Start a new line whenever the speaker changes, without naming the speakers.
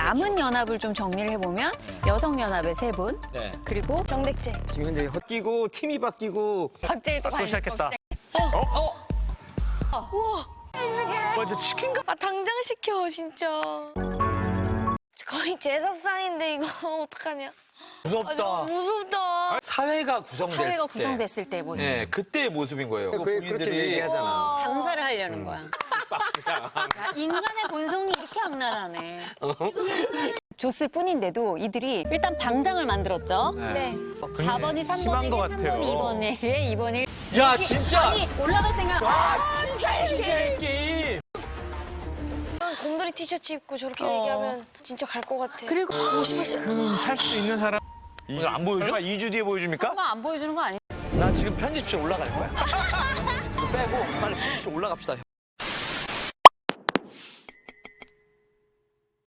남은 연합을 좀 정리를 해보면 여성연합의 3분,
네.
그리고
정백제.
지금 현재 헛기고 팀이 바뀌고
박재일도
또 시작했다.
맞아, 치킨가? 아, 당장 시켜, 진짜. 거의 제사상인데, 이거 어떡하냐. 아,
무섭다.
너무 무섭다.
사회가 구성됐을
사회가
때.
구성됐을 때 모습.
네, 그때의 모습인 거예요.
그렇게 얘기하잖아.
장사를 하려는 거야. 야, 인간의 본성이 이렇게 악랄하네. 줬을 뿐인데도 이들이 일단 방장을 만들었죠.
네.
4번이 3번에게,
심한 것 같아요.
3번이 2번에게, 2번이
야, 진짜!
아니, 올라갈 생각.
진짜 이 게임!
곰돌이 티셔츠 입고 저렇게 얘기하면 진짜 갈 것 같아.
그리고 50원씩
살 수 있는 사람. 오늘 안 보여줘? 설마 2주 뒤에 보여줍니까?
한번 안 보여주는 거 아니야?
나 지금 편집실 올라갈 거야. 이거 빼고 빨리 편집실 올라갑시다.